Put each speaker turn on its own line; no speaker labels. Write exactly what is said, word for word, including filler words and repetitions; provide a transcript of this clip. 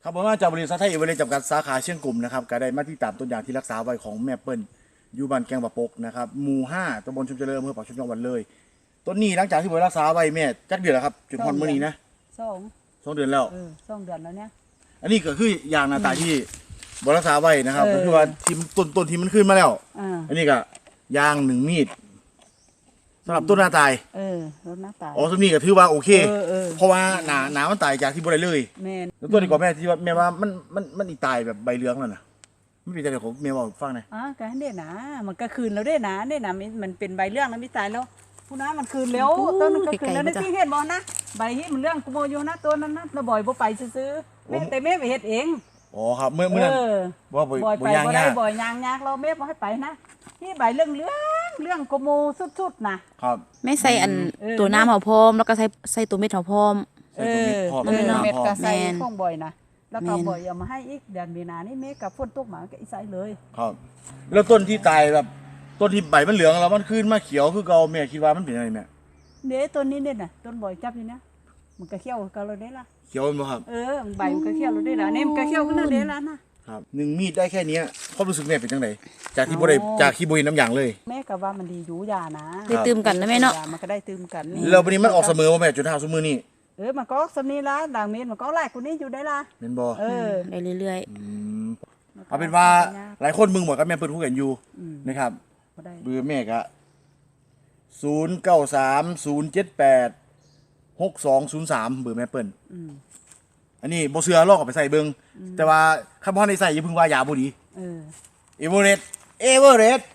ครับผมมาจากบริษัทไทยเอเวอเรสต์จำกัดสาขาเชียงกลุ่มนะครับก็ได้มาที่ตามต้นยางที่รักษาไว้ของแม่เปิ้ลอยู่บ้านแกงปะปกนะครับหมู่ห้าตำบลชุมเจริญอำเภอปากช่องจังหวัดเลยต้นนี้หลังจากที่ผมรักษาไว้แม่จักเดือนแล้วครับจนฮอนมื้อนี้นะ
สอง
สองเดือนแล้ว
เออสองเดือนแล้วเนี่ย
อันนี้ก็คือยางหน้าตาที่บรักษาไว้นะครับ
เออ
ก็คือว่าทีมต้นต้นที่มันขึ้นมาแล้ว
อ่า
อันนี้ก็ยางหนึ่งมีดสำหรับต้นหน้าตาย
เออรถหน้าตาย
อ๋อต้นนี้ก็ถือว่าโอเค
เออเออ
เพราะว่าหนาหนามันตายจากที่บ่ได้เลย
แมน
แล้วตัวนี้ก่อนแม่ที่ว่าแม่ว่ามันมันมันอีตายแบบใบเหลืองแล้วนะไม่เป็นไรของแม่บอกฟังหน่อย
อ่ะก็ให้เด่นนะมันก็คืนแล้วเด่นนะเด่นนะมันมันเป็นใบเรื่องแล้วไม่ตายแล้วผู้น้ามันคืนแล้วต้นมันก็คืนแล้วในที่เห็นบอลนะใบที่มันเรื่องกูโมอยู่นะตัวนั้นนะเราบ่อยบ่ไปซื้อๆแม่แต่แม่ไปเฮ็ดเอง
อ๋อครับเมื่อเมื่อนั้น
เออ
ว่าบ่
บ่อย
บ่
ไป
ยาง
บ่ได้
ยาก
บ่อยยางยากเราแม่บ่ให้ไปนะนี่ใบเรื่องเรื่องเรื่องกูโมสุดๆนะครับ
แม่ใส่อัน
เออ
ตัวน้ำเขาพร้อมแล้วก็ใส่ใส่ตัวเม็ดเขาพร้อม
ใส่ตัวมิดพ่อ
เอ
ใส่
อ
ตัว
เม็ด
น้ำพ่อ
ก็ใส่
แม่น
ข้องบ่อยนะแล้วก็
แม่น
บ่อยเอามาให้อีกเดือนมีนานี่เมฆกับฝนตกมาก็อีใส่เลย
ครับ แล้วต้นที่ตายแบบต้นที่ใบมันเหลืองแล้วมันขึ้นมาเขียวคือเก่าแม่คิดว่ามันเป็นอะไรแม่
เด้ต้นนี้เนี่ยน่ะต้นบ่อยจับอยู่นะมันก็เขี้ยวกับเราได้ละ
เขียวมันบ่ครับ
เออใบมันก็เขี้ยวเราได้ละเนี่ยมันก็เขี้ยวขึ้นเราได้ละนะครับ
หนึ่งมีดได้แค่เนี้ยความรู้สึกแม่เป็นจังไดจากที่บ่ได้จากที่บ่เห็นน้ำยางเลย
แม่ก็ว่ามันดีอยู่ยานะ
ได้ตื่มกันนะแม่เนาะ
ยมันก็ได้ตื่มกัน
แล้ววันนี้มันออกเสมอว่าแม่จนเท่าซุมื้อนี้
เออมันก็สำนีละด่างเมนมันก็ไล่กูนี่อยู่ได้ละ
แม่นบ่
เออ
ได้เรื่อย
มเอาเป็นว่าหลายคนมึงบอกกับแม่เปิ้ลคุยกันอยู่
อืม
นะครับ
บ่ได้
เบอร์แม่ก็ศูนย์เก้าสามศูนย์เจ็ดแปดหกสองศูนย์สามเบอร์แม่เปิ้ล
อืม
อันนี้บ่เชื่อลองเอาไปใส่เบิ่งแต่ว่าคันบ่ทันได้ใส่อย่าเพิ่งว่ายาบ่ดี
เออ
เอเวอเรสต์เอเวอเรสต์